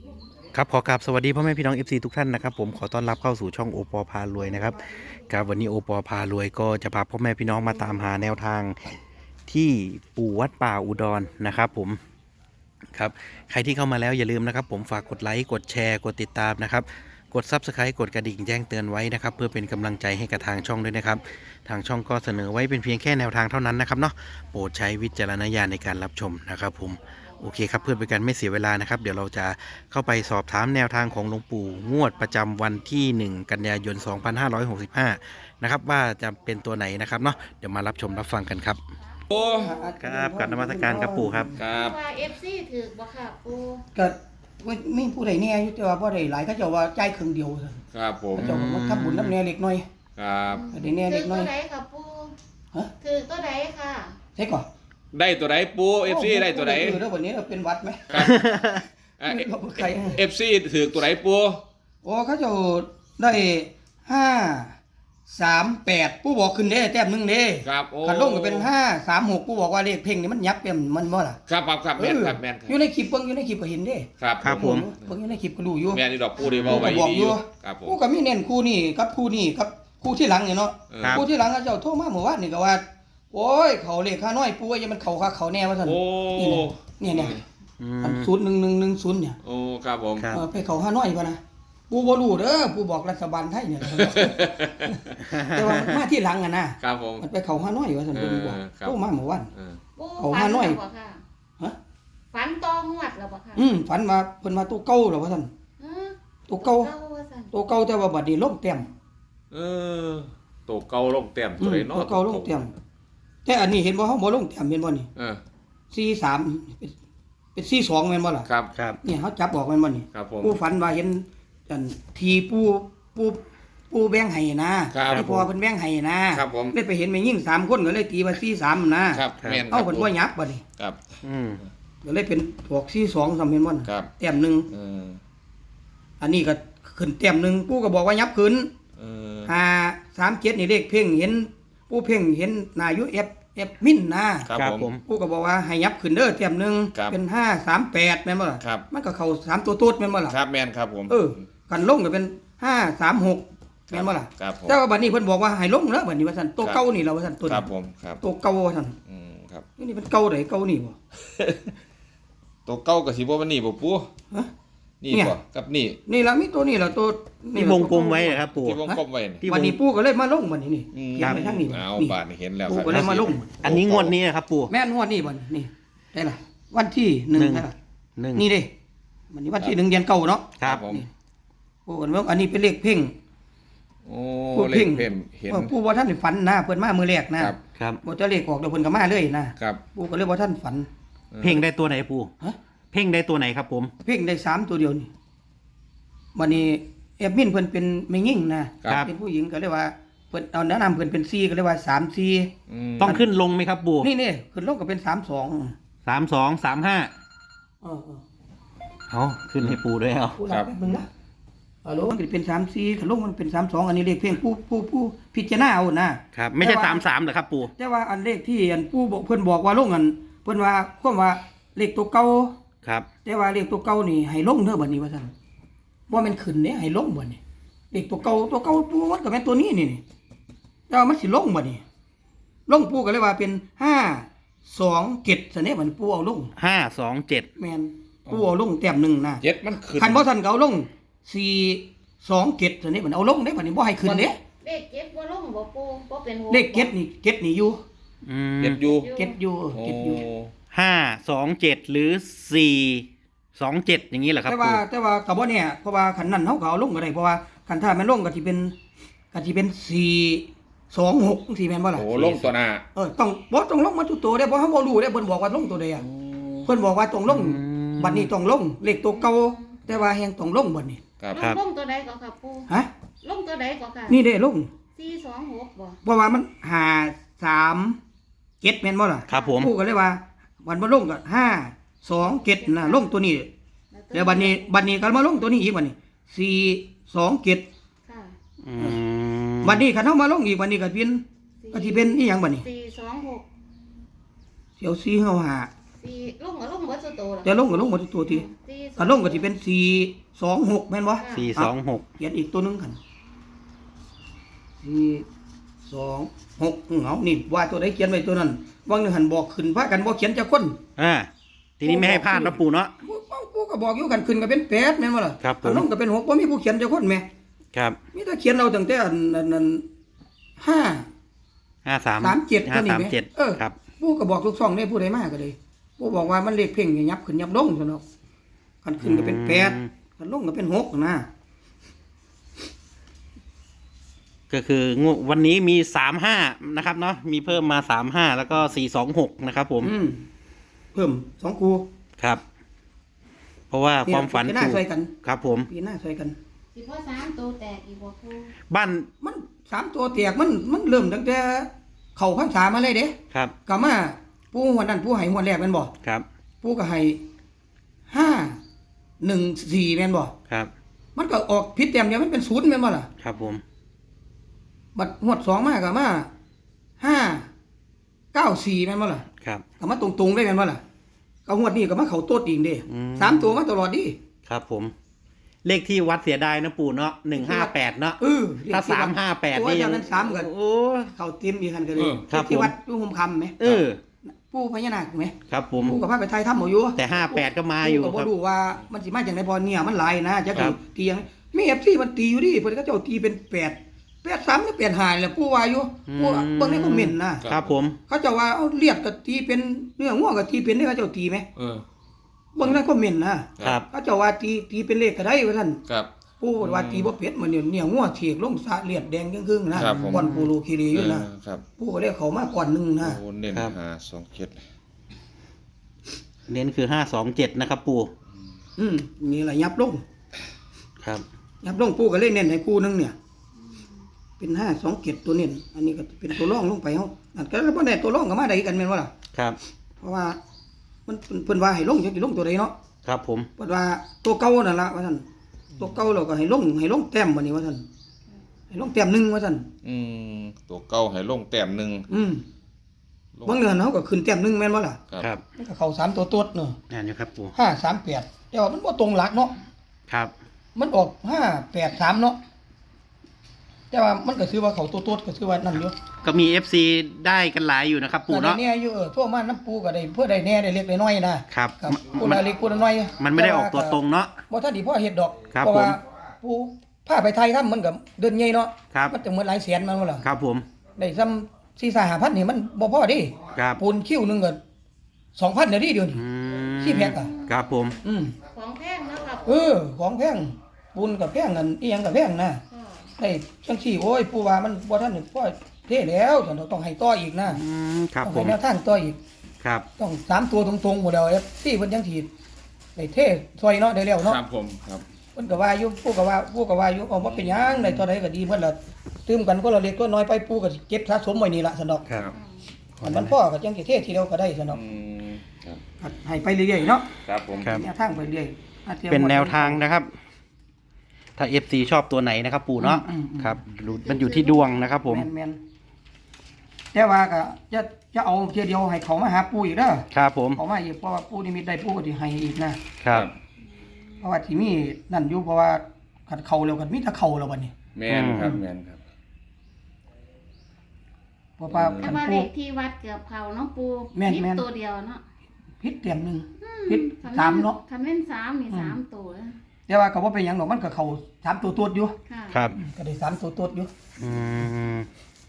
ครับขอกราบสวัสดีพ่อแม่พี่น้อง FC ทุกท่านนะครับผมขอต้อนรับเข้าสู่ช่องโอปอพารวยนะครับครับวันนี้โอปอพารวยก็จะพาพ่อแม่พี่น้องมาตามหาแนวทางที่ปู่วัดป่าอุดรนะครับผมครับใครที่เข้ามาแล้วอย่าลืมนะครับผมฝากกดไลค์กดแชร์กดติดตามนะครับกด Subscribe กดกระดิ่งแจ้งเตือนไว้นะครับเพื่อเป็นกำลังใจให้กับทางช่องด้วยนะครับทางช่องก็เสนอไว้เป็นเพียงแค่แนวทางเท่านั้นนะครับเนาะโปรดใช้วิจารณญาณในการรับชมนะครับผม โอเคครับเพื่อเป็นการไม่เสียเวลานะครับเดี๋ยวเราจะเข้าไปสอบถามแนวทางของหลวงปู่งวดประจำวันที่1กันยายน2565นะครับว่าจะเป็นตัวไหนนะครับเนาะเดี๋ยวมารับชมรับฟังกันครับโอ้ครับกราบนมัสการครับปู่ครับครับว่าเอฟซีถือบ่ค่ะปูก็ไม่ผู้ใดแน่อยู่แต่ว่าบ่ได้หลายเขาเจ้าว่าจ่ายครึ่งเดียวซั่นครับผมเขาเจ้าก็มาทำบุญน้ำแน่เล็กน้อยครับได้แน่ถืเล็อกน้ตัอวย ใดค่ะปูฮะถือตัวใดค่ะใช่ก่อนได้ตัวไหนปูเอฟซีได้ตัวไหนเด้อวันนี้เราเป็นวัดไหมครับเราบ่ใครเอฟซีถือตัวไหนปูโอ้เขาเจ้าได้538ผู้บอกขึ้นเด้แต้มหนึงเด้ครับโอ้คันลงก็เป็น536ผู้บอกว่าเลขเพ่งนี่มันยับเต็มมันบ่ล่ะครับครับแมนครับแมนครัอยู่ในคลิปเบิ่งอยู่ในคลิปก็เห็นเด้ครับครับผมเบิ่งอยู่ในคลิปก็รู้อยู่แมนนี่ดอกปูดีเบาไว้บอกดีออยู่ ยู่ครับผมผู้ก็มีเน้นคู่นี้กับคู่นี้กับคู่ที่หลังเนี่ยเนาะครับผู้ที่หลังเขาเจ้าโทรมาเมื่อวานนี่ก็ว่าโอ้ยเขาเลขค่าน้อยปูว่าอย่ามันเขาคักเขาแน่ว่าซั่นโอ้เนี่ยอือันม 01110เนี่ยโอ้ครับผมครับไปเขาค่าน้อยป่ะนะปูบ่รู้เด้อปูบอกรัฐบาลไทยเนี่ย แต่ว่ามันมาที่หลังอ่ะนะครับผมมันไปเขาค่าน้อยว่าซั่นเพิ่นบอกครับโทรมาเมื่อวานเออปูเอาฝัมานหน่อยแล้วบ่ค่ะฮะฝันตองวดแล้วบ่ค่ะฝันว่าเพิ่นมาตัวเก่าแล้วว่าซั่นฮะตัวเก่าว่าซั่นตัวเก่าแต่ว่าบัดนี้ลงเต็มเออตัวเก่าลงเต็มตัวไหนเนาะตัวเก่าลงเต็มแต่อันนี้เห็นบ่เฮาบ่ลงเต็มเห็นบ่นี่เออ 43เป็น42แม่นบ่ล่ะครับครับเนี่ยเขาจับออกแม่นบ่นี่ครับผมผู้ฝันว่าเห็นอันทีผู้แบ่งให้นะครับ ที่พ่อเพิ่นแบ่งให้นะครับผมเลยไปเห็นแม่ยิ่ง3คนก็เลยตีว่า43นะครับแมนคเอารับเพิ่นบ่ยับบัดนี้ครับอืมก็เลยเป็นพวก42ซำเห็นบ่น่ะครับแต้มหนึงเอออันนี้ก็ขึ้นแต้มหนึงปู่ก็บอกว่ายับขึ้นเออ 537นี่เลขเพ่งเห็นปู่เพ่งเห็นหน้าอยู่เอฟมินนะครับครับผผม มปู่ก็บอกว่าให้ยับขึ้นเด้อแต้มหนึงครับเป็น538แม่นบ่ล่ะครับมันก็เข้า3ตัวโต๊ดแม่นบ่ล่ะครับแมนครับผมกันลงก็เป็น536แม่นบ่ล่ะครับผมแต่ว่าบัดนี้เพิ่นบอกว่าให้ลงแล้วบัดนี้ว่าซั่นตัวเก่านี่ล่ะว่าซั่นตัวครับนี้ผมครับตัวเก่าว่าซั่นครับนี่เป็นเก่าไดเก่านี่บ่ตัวเก้ากับสีบ่มันนี่บ่ปูฮะนี่เนี่ยบ่กับนี่นี่ล่ะมีตัวนี่ล่ะตัวที่วงกลมไว้นะครับปู่ที่วงกลมไว้นี่ที่วันนี้ปู่ก็เลยมาลงบัดนี้นี่อืมเขียนไปทางนี้เอานี่บาดนี่เห็นแล้วปู่ครับก็เลยมาลงอันนี้งวดนี้นะครับปู่แม่นงวดนี้บัดนี่ได้ล่ะวันที่1ได้ล่ะหนึ่งนี่เด้วันนี้วันที่1เดือนเก่าเนาะครับผมปู่ก็ว่าอันนี้เป็นเลขเพ่งโอ้ปู่เลขเพ่มเห็นปู่บ่ทันได้ฝันนะเพิ่นมามื้อแรกนะครับครับบ่จะเลขออกแล้วเพิ่นก็มาเลยนะครับ ปู่ก็เลยบ่ทันฝันเพ่งได้ตัวไหนปู่ฮะเพ่งได้ตัวไหนครับผมเพ่งได้3ตัวเดียวนี่วันนี้แอดมินเพิ่นเป็นแม่หญิงนะครับ เป็นผู้หญิงก็เลยว่าเพิ่นเอาแนะนำเพิ่นเป็น4ก็เลยว่า3 4 อืมต้องขึ้นลงไหมครับปู่นี่ขึ้นลงก็เป็น3 2 3235 เออเอาขึ้นให้ปู่ด้วยเอาผู้รับแป๊บนึงนะฮัลโหลมันเป็น3 4ขึ้นลงมันเป็น3 2อันนี้เลขเพ่งผู้พิจารณาเอานะครับไม่ใช่แต่ว่า 33เหรอครับปู่แต่ว่าอันเลขที่อันผู้บอกเพิ่นบอกว่าลงอันเพิ่นว่าความว่าเลขตัวเก่าครับแต่ว่าเลขตัวเก่านี่ให้ลงเด้อบัดนี้ว่าซั่นบ่แม่นขึ้นเด้ให้ลงบัดนี้เลขตัวเก่าปูมันก็แม่นตัวนี้นี่แต่ว่ามันสิลงบัดนี้ลงปูก็เลยว่าเป็น527ซะเนี่ยบัดนี้ปูเอาลง 527 แม่นปูเอาลงแต้มหนึงนะเจ็ดมันขึ้นคันบ่ทันก็เอาลง427ซะเนี่ยบัดนี้เอาลงเด้บัดนี้บ่ให้ขึ้นเด้เลขเก็บบ่ลงบ่ปูบ่เป็นหัวเลขเก็ดนี่อยู่อืมเจ็ดอยู่เก็ดอยู่โอ้เก็ดอยู่ 527หรือ427อย่างนี้เหรอครับแต่ปู่ว่าก็บ่เนี่ยเพราะว่าคันนั้นเฮาก็เอาลงก็ได้เพราะว่าคันถ้ามันลงก็สิเป็น426จังซี่แม่นบ่ล่ะโอ้ลงตัวหน้าต้องลงมาทุกตัวเด้เพราะเฮาบ่รู้เด้เพิ่นบอกว่าลงตัวใดอ่ะเพิ่นบอกว่าต้องลงบัดนี้ต้องลงเลขตัวเก่าแต่ว่าแฮงต้องลงบัดนี้ครับลงตัวใดก็ค่ะปูฮะลงตัวใดก็ค่ะนี่เด้ลง 426บ่เพราะว่ามัน537แม่นบ่ล่ะครับผมผู้ก็เลยว่ามันบ่ลงก็527น่ะลงตัวนี้แล้วบัดนี้ก็มาลงตัวนี้อีกบัดนี้427 ค่ะอืมบัดนี้คันเฮามาลงอีกบัดนี้ก็สิเป็นอีหยังบัดนี้ 426 เสียว4เฮาหา 426 ตีลงก็ลงเบิดสุดโตล่ะแต่ลงก็ลงหมดทุกตัวทีตีถ้าลงก็สิเป็น426แม่นบ่ 426 เขียนอีกตัวหนึงกัน426เอานี่ว่าตัวใดเขียนไว้ตัวนั้นวางหนึงหันบอกขึ้นพากันบ่เขียนจักคนทีนี้ไม่ให้พลาดนะปู่เนาะกูก็บอกอยู่กันขึ้นก็เป็น8แม่นบ่ล่ะครับผมลงก็เป็น6บ่มีผู้เขียนจักคนแม่ครับมีแต่เขียนเอาตั้งแต่อันนั้น5 53 37ตัวนี้แม่ 537ครับผู้ก็บอกทุกช่องได้ผู้ใดมาก็เลยผู้บอกว่ามันเลขเพ่งอย่ายับขึ้นยับลงซั่นเนาะคันขึ้นก็เป็น8คันลงก็เป็น6นะก็คืองวดวันนี้มี35นะครับเนาะมีเพิ่มมา35แล้วก็426นะครับผมเพิ่ม2คู่ครับ เพราะว่าความฝันพี่หน้าปู่ช่วยกันครับผมพี่หน้าช่วยกันสิพอ3โตแตกอีกบ่ปูบ้านมัน3ตัวแตกมันเริ่มตั้งแต่เข้าพรรษามาเลยเด้ครับก็มาผู้หัวนั้นผู้ให้หัวแรกแม่นบ่ครับผู้ก็ให้514แม่นบ่ครับมันก็ออกผิดแต้มเดียวมันเป็น0แม่นบ่ล่ะครับผมบัดงวด2มาก็มา594แม่นบ่ล่ะครับก็มาตรงๆได้แม่นบ่ล่ะก็งวดนี้ก็มาเข้าโต๊ดอีกเด้อืม 3ตัวมาตลอดดิครับผม เลขที่วัดเสียดายนะปู่เนาะ158เนาะ ถ้า358 นี่นี่ยังนั้น3ก็โอ้เข้าเต็มอีกคันก็เลยครับที่ผมวัดอยู่ห่มคำไหม ปู่พญานาคไหมครับผมปู่กับพระไปไทยถ้ำเอาอยู่แต่58ก็มาอยู่ปู่ก็ครับบ่รู้ว่ามันสิมาจากไหนพอเนี่ยมันหลายนะจะครับตียังมี FC มันตีอยู่ดิเพิ่นก็เจ้าตีเป็น8 3หรือ8 5แหละปู่ว่าอยู่ปู่เบิ่งในคอมเมนต์นะครับผมเขาเจ้าว่าเอาเลียดก็ตีเป็นเนื้องัวก็ตีเป็นได้เขาเจ้าตีไหมเออเบิ่งในคอมเมนต์นะครับ เขาเจ้าว่าตีเป็นเลขก็ได้ว่าซั่นครับปู่ว่าตีบ่เป็ดมันเนี่ยงัวเถียกลงสะเลียดแดงครึ่งๆนะครับผมก่อนปูโลคีรีอยู่นะครับ ปู่ก็เลยเข้ามาก่อนหนึงนะโอ้เน้นครับหาสองเจ็ดเน้นคือ527นะครับปู่นี่ล่ะยับลงครับยับลงปู่ก็เลยเน้นให้คู่หนึงเนี่ย เป็น527ตัวเน้นอันนี้ก็เป็นตัวรองลงไปเฮานั่นก็บ่ได้ตัวรองก็มาได้กันแม่นบ่ล่ะครับเพราะว่ามันเพิ่นว่าให้ลงจักสิลงตัวใดเนาะครับผมเพิ่นว่าตัวเก่านั่นล่ะว่าซั่นตัวเก่าแล้วก็ให้ลงแต้มบัดนี้ว่าซั่นให้ลงแต้มหนึงว่าซั่นตัวเก่าให้ลงแต้มหนึ่ง ลงบางเดือนเฮาก็ขึ้นแต้มหนึงแม่นบ่ล่ะครับมันก็เข้า3ตัวตดเนาะนั่นอยู่ครับปู่ 538แต่ว่ามันบ่ตรงหลักเนาะครับมันออก583เนาะแต่ว่ามันก็ถือว่าเขาตัวตดก็ถือว่านั่นอยู่ก็มี FC ได้กันหลายอยู่นะครับปู่แต่เนาะเนี่ยอยู่ทั่วมาน้ำปูก็ได้เพื่อได้แน่ได้เล็กได้น้อยนะครับ ครับปูมันละเล็กปูละน้อยมันไม่ได้ออกตัวตรงเนาะบ่ทันดีพ่อเฮ็ดดอกครับเพราะว่าผมปูพาไปไทยทำมันก็เดินใหญ่เนาะครับมันจะเหมือนหลายแสนมันว่าล่ะครับผมได้ซ้ำ4-5,000นี่มันบ่พอดิครับปูนคิ้วหนึงก็ 2,000เดี๋ยวนี้เดี๋ยวนี้อืมที่แพงอะครับผมของแพงนะครับของแพงปูนก็แพงนั่นอีหยังก็แพงนะค่ะได้จังซี่โอ้ยปูว่ามันบ่ทันได้พอเท่แล้วฉันต้องให้ต่ออีกนะครับต้องผให้มแนวทางต่ออีกครับต้อง3ตัวตรงๆหมดแล้วที่เพิ่นจังสิได้เทซอยเนาะได้แล้วเนาะครับผมครับเพิ่นก็ว่าอยู่ผู้ก็ว่าอยู่เอาบ่เป็นหยังได้ตัวใดก็ดีเพิ่นละตื่มกันก็ละเล็กตัวน้อยไปปู่ก็สิเก็บสะสมไว้นี่ล่ะซั่นดอกครับอันมันพอก็จังสิเททีเดียวก็ได้ซั่นดอกครับให้ไปเรื่อยๆเนาะครับผมครับแนวทางไปเรื่อยๆเป็นแนวทางนะครับ ถ้า FC ชอบตัวไหนนะครับ ปู่เนาะครับมันอยู่ที่ดวงนะครับ ผมแม่นๆแต่ว่าก็จะเอาเทียเดียวให้เขามาหาปู่อีกเด้อครับผมเขามาอีกเพราะว่าปู่นิมิตได้ปู่ก็สิให้อีกนะครับ เพราะว่าที่มีนั่นอยู่เพราะว่าคันเข้าแล้วก็มีแต่เข้าแล้วบัดนี้แม่นครับแม่นครับเพราะว่าแต่คันว่าเลปู่ขที่วัดเกือบเขาเนาะปูแม่นผิดแม่นตัวเดียวเนาะผิดเต็มหนึงผิด3เนาะคันแม่น3นี่3ตัวนะแต่ว่าก็บ่เป็นหยังดอกมันก็เข้า3ตัวตวดอยู่ค่ะครับก็ได้3ตัวตวดอยู่อืม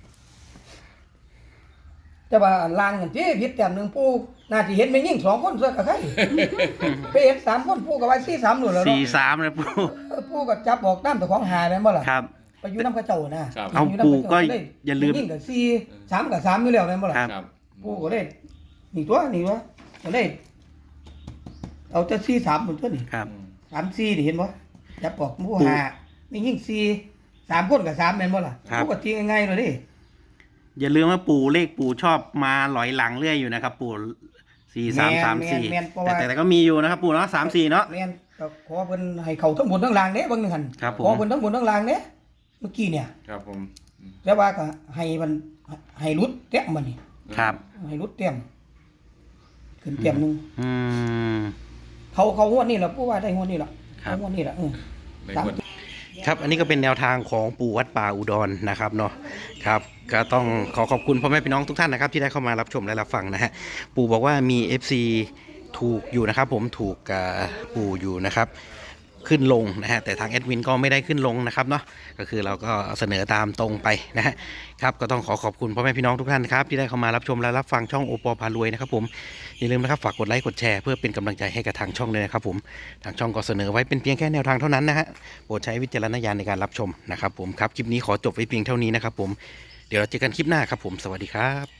แต่ว่าอันล่างนั่นติผิดแต้มหนึงปู่น่าสิเห็นแม่ยิ่ง2คนซะก็ใคร ไปเห็น3คนปู่ก็ว่า43นู่นแล้วเนาะ 43เลยปู่ปู่ก็จับออกตามเจ้าของหาแม่นบ่ล่ะครับไปอยู่นำเขาเจ้านะครับเอายู่นำปู่เขาก็เจ้อย่าลืมแยิ่งก็4 3ก็3อยู่แล้วแม่นบ่ล่ะครับครับปู่ก็เลยนี่ตัวก็เลยเอาแต่43พุ่นตัวนี่ครับ 3 4นี่เห็นบ่จับออกหมู่หาแม่ยิ่ง4 3คนก็3แม่นบ่ล่ะครับปู่ก็ตีง่ายๆเลยดิอย่าลืมว่าปู่เลขปู่ชอบมาหลอยหลังเรื่อยอยู่นะครับ ปู่4334 แม่นเพราะว่าแต่ก็มีอยู่นะครับ ปู่เนาะ34เนาะแม่นก็ขอเพิ่นให้เขาทั้งบนทั้งล่างเด้เบิ่งหนึงหั่นครับผมขอเพิ่นทั้งบนทั้งล่างเด้เมื่อกี้เนี่ยครับผมแต่ว่าก็ให้มันให้รุดเต็มมันนี่ครับให้รุดเต็มขึ้นขึ้นเต็มหนึงอืมเขางวดนี่ล่ะปู่ว่าได้งวดนี่ล่ะครับเอางวดนี่ล่ะในสามวันครับอันนี้ก็เป็นแนวทางของปู่วัดป่าอุดรนะครับเนาะครับก็ต้องขอขอบคุณพ่อแม่พี่น้องทุกท่านนะครับที่ได้เข้ามารับชมและรับฟังนะฮะปู่บอกว่ามี FC ถูกอยู่นะครับผมถูกปู่อยู่นะครับขึ้นลงนะฮะแต่ทางแอดมินก็ไม่ได้ขึ้นลงนะครับเนาะก็คือเราก็เสนอตามตรงไปนะฮะครับก็ต้องขอขอบคุณพ่อแม่พี่น้องทุกท่านครับที่ได้เข้ามารับชมและรับฟังช่องโอปอพารวยนะครับผมอย่าลืมนะครับฝากกดไลค์กดแชร์เพื่อเป็นกำลังใจให้กับทางช่องด้วยนะครับผมทางช่องก็เสนอไว้เป็นเพียงแค่แนวทางเท่านั้นนะฮะโปรดใช้วิจารณญาณในการรับชมนะครับผมครับคลิปนี้ขอจบไว้เพียงเท่านี้นะครับผมเดี๋ยวเราเจอกันคลิปหน้าครับผมสวัสดีครับ